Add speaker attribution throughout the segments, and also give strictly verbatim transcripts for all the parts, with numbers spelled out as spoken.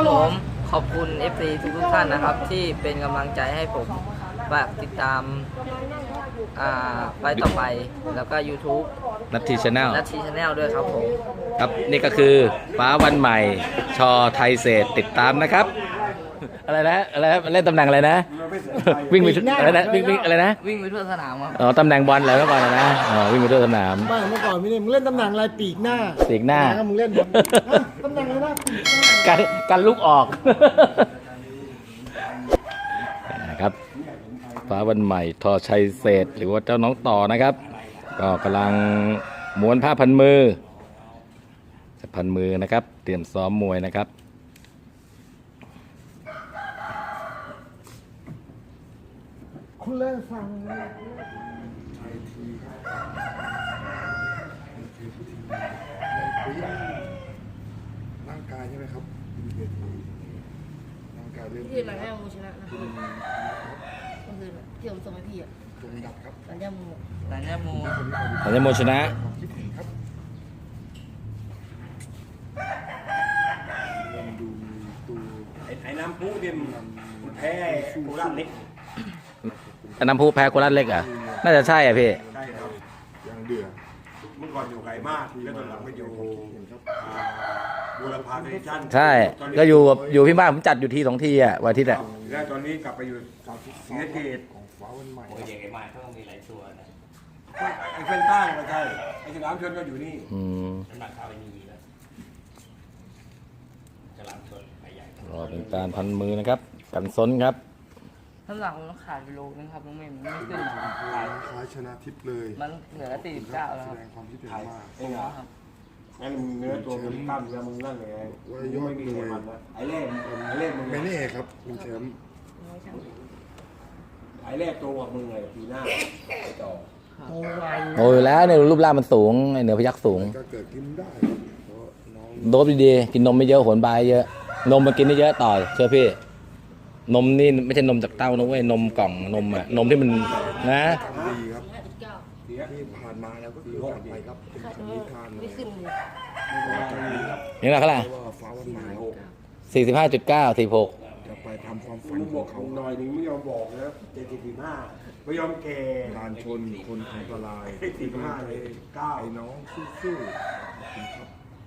Speaker 1: ผมขอบคุณ เอฟ ซี ทุกท่านนะครับที่เป็นกำลังใจให้ผมฝากติดตามอ่าไปต่อไปแล้วก็ YouTube
Speaker 2: นัททีชาแนล
Speaker 1: นัททีชาแนลด้วยครับผม
Speaker 2: ครับนี่ก็คือฟ้าวันใหม่ชอไทยเศษติดตามนะครับอะไรนะอะไรนะเล่นตำแหน่งอะไรนะวิ่งไปอะไรนะวิ่งวิ่งอะไรนะ
Speaker 1: วิ่งไปทั่วสนามครับ
Speaker 2: อ๋อตำแหน่งบอลอะไรเมื่อก่อนนะอ๋อวิ่งไปทั่วสนาม
Speaker 3: ไม่เมื่อก่อนไม่ได้มึงเล่นตำแหน่งอะไรปีกหน้า
Speaker 2: ปีกหน้า
Speaker 3: แล้วมึงเล่นตำแหน่งอะไรนะปีกหน้า
Speaker 2: กันกันลุกออกนะครับฟ้าวันใหม่ทอชัยเศษหรือว่าเจ้าน้องต่อนะครับก็กำลังม้วนผ้าพันมือพันมือนะครับเตรียมซ้อมมวยนะครับ
Speaker 3: คุณเล่นฟังร่างกายใช่ไหมครับร่างกายเริ่ม
Speaker 4: พี่หลังแรกมูชนะนะเมื่อคืนที่ผมส่งให้พี่อ่ะ
Speaker 3: ตรงดับครับ
Speaker 4: หลังแรกมู
Speaker 1: แต่เนี่ยมู
Speaker 2: อันนี้โมชนะ
Speaker 3: ความคิดเห็นครับเริ่มดูมีตัว
Speaker 5: ไอ้น้ำพุเนี่ยมันแพ้โคราชเล็ก
Speaker 2: น้ำพุแพ้โคราชเล็กอ่ะน่าจะใช่อ่ะพี่
Speaker 5: ใช่ครับ
Speaker 3: ยังเดือด
Speaker 5: เมื่อก่อนอยู่ไกลมากแล้วตอนหลังไปอยู่อ่าบูรพาเนชั่น
Speaker 2: ใช่ก็อยู่อยู่พี่บ้านผมจัดอยู่ทีสองทีอ่ะวันอาทิตย์อ่ะ
Speaker 5: แล้วตอนนี้กลับไปอยู่ศรีสะเกษ
Speaker 3: ของฟ้าวันใหม่
Speaker 5: ไอ้เส้นใต้ก็ใช่ไอ้ฉลามชนก็อยู่นี่
Speaker 2: อืมรอเป็นการพันมือนะครับ กันซนครับ
Speaker 1: น้ำหนักผมต้องขาดไปโลนึงครับน้องเมย์มันไม่ขึ้นมา
Speaker 3: คล้ายชนะทิพย์เลย
Speaker 1: มันเหลือสี่สิบเก้าแล้ว
Speaker 3: แส
Speaker 1: ครับ
Speaker 3: ดงความคิดเห็นมาก
Speaker 5: ไอ้เหรองั้นเนื้อตัวมันกล้ามเนื้อมึงนั่นไงไม่มีไขมันนะไอ้เล่ไอ้เล่มึง
Speaker 3: ไม่แน่ครับคุณแชมป์
Speaker 5: ไอ้เล่ตัวกว่ามึงไงปีหน้าไอ้ต่อ
Speaker 1: โอ้ย
Speaker 2: โอ้ยแล้วเนี่ยรูปร่างมันสูงไอเหนือพยักสูง
Speaker 3: ก็เกิดขึ้นได้ครับเพราะน้อง
Speaker 2: โดบดีๆกินนมไม่เยอะโหนบายเยอะนมมากินได้เยอะต่อเชื่อพี่นมนี่ไม่ใช่นมจากเต้านะเว้ยนมกล่องนมอะนมที่มันนะ
Speaker 3: ดีครับ
Speaker 4: ห้าสิบเก้า
Speaker 3: ที่ผ่านมาแล้วก็คือผ่านไปครับเป็นคำนิทานเล
Speaker 4: ไม่
Speaker 3: ย
Speaker 4: ขึ้นเลย
Speaker 2: นี่แหละเท่าไหร่
Speaker 3: เพราะว่าฟ้าวันใหม่
Speaker 2: สี่สิบห้าจุดเก้าสี่หก
Speaker 3: จะไปทำความฝัน
Speaker 5: มึง
Speaker 3: ข
Speaker 5: บ
Speaker 3: อ
Speaker 5: อง ก
Speaker 3: เขา
Speaker 5: หน่อยนึงไม่ยอมบอกนะเจ็ดสิบห้าไม่ยอมแก่
Speaker 3: การชนคนอันตราย
Speaker 5: สี่สิบห้าเลยเก้า
Speaker 3: ไอ้น้องสู้ๆขอบคุณครับ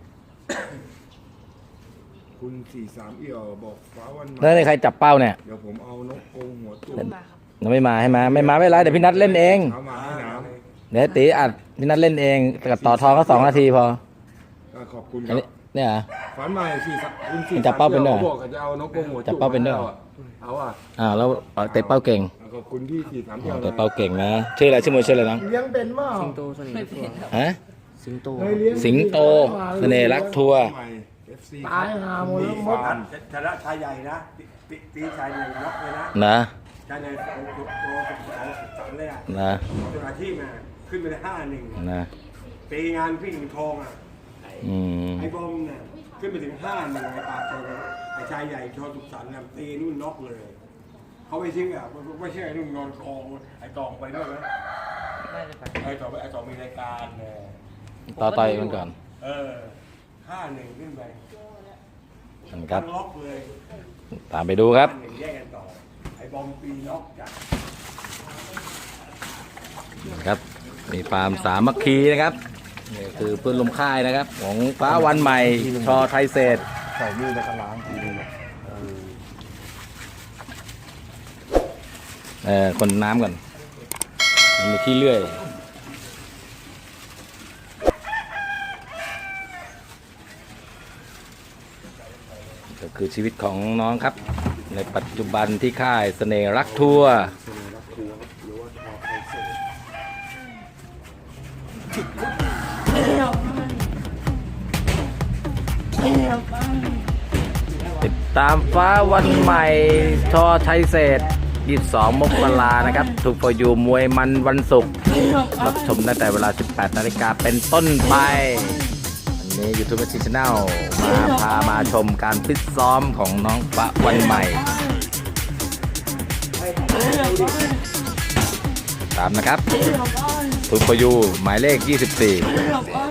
Speaker 3: คุณสี่สามเอี่ยวบอกฟ้าวันใหม่
Speaker 2: แล้วนี่ใครจับเป้าเนี่ย
Speaker 3: เดี๋ยวผมเอานกกรงหัวจุ่
Speaker 4: ขึ้นมาครับ
Speaker 2: ยังไม่มาให้มาไม่มาไม่เป็นไรเดี๋ยวพี่นัทเล่นเอง
Speaker 3: เอามาให้น้
Speaker 2: เดี๋ยวตีอัดพี่นัทเล่นเองกับต่อทองก็สองนาทีพอ
Speaker 3: ำก็ขอบคุณค
Speaker 2: อัน
Speaker 3: รับ
Speaker 2: นี้เนี่ยเหรอ
Speaker 3: ฝันใหม่สี่สามคุณสี่
Speaker 2: จับเป้าเป็นด้วยเหรอ
Speaker 3: บอกว่าจะเอานกกรงหัว
Speaker 2: จั
Speaker 3: จุ่
Speaker 2: บเป้าเป็นด้วยเหรอ
Speaker 3: เอาอ่ะ
Speaker 2: อ้าวแล้วเตะเป้าเก่ง
Speaker 3: ขอบคุณที่สี่สาม
Speaker 2: อ๋
Speaker 3: เอี่
Speaker 2: อ
Speaker 3: ยว
Speaker 2: เตะเป้าเก่งนะชื่ออะไรชื่อมวยชื่ออะไรน้อง
Speaker 3: เลี้ยงเป็นเปล่า
Speaker 1: สิงโตเสน่ห์ทัวร์
Speaker 2: ฮะ
Speaker 1: สิงโต
Speaker 3: เคยเลี้ย
Speaker 2: สิงโตเสน่ห์รักทัวร์
Speaker 3: ใหม่ เอฟ ซีตายหาหมดแล้วมด
Speaker 5: นัดชนะชายใหญ่นะตีตีชายใหญ่น็อกเลยนะ
Speaker 2: นะ
Speaker 5: ชายใหญ่โตโตโตสองสามเลยอ่ะ
Speaker 2: นะ
Speaker 5: เป็นอาชีพมาขึ้นไปได้ห้าหนึ่ง
Speaker 2: นะ
Speaker 5: ตีงานพี่หญิงทองอ่ะ
Speaker 2: อืม
Speaker 5: ไอ้บอมเนี่ยขึ้นไปถึงห้าหนึ่งไอ้ปากโตไอ้ชายใหญ่โชว์สุขสันต์เนี่ยตีนู่นน็อกเลยเขาไม่ทิ้งอ่ะไม่ใช่ไอ้นู่นนอนกองไอ้ตองไปด้วยนะ
Speaker 1: ไม่ได้ไป
Speaker 5: ไอ้ต่อไอ้ต่อมีรายการเนี่ย
Speaker 2: ต่อต่อยมันก่อน
Speaker 5: เออห้าหนึ่งขึ้นไป
Speaker 2: ครับ
Speaker 5: ล็อกเลย
Speaker 2: ตามไปดูครับ
Speaker 5: ห้าหนึ่งแยกกันต่อไอ้บอมปีน็อกจาก
Speaker 2: ครับมีฟาร์มสามัคคีนะครับนี่คือเพื่อนลมค่ายนะครับ ของฟ้าวันใหม่ชอไทยเศษ
Speaker 3: ใส่มือในกระล้างทีนึง
Speaker 2: เออคนน้ำก่อนมันมีที่เลื่อยก็คือชีวิตของน้องครับ ในปัจจุบันที่ค่ายเสน่ห์รักทัวร์
Speaker 3: รักครูครับหรือว่าทอไทยเศษ
Speaker 2: ติดตามฟ้าวันใหม่ชอไทยเศษยี่สิบสองมกรานะครับถูกปล่อยอยู่มวยมันวันศุกร์รับชมได้แต่เวลา สิบแปดนาฬิกาเป็นต้นไปวันนี้ YouTube Channel มาพามาชมการฟิตซ้อมของน้องฟ้าวันใหม่ ตามนะครับถูกปล่อยอยู่หมายเลขยี่สิบสี่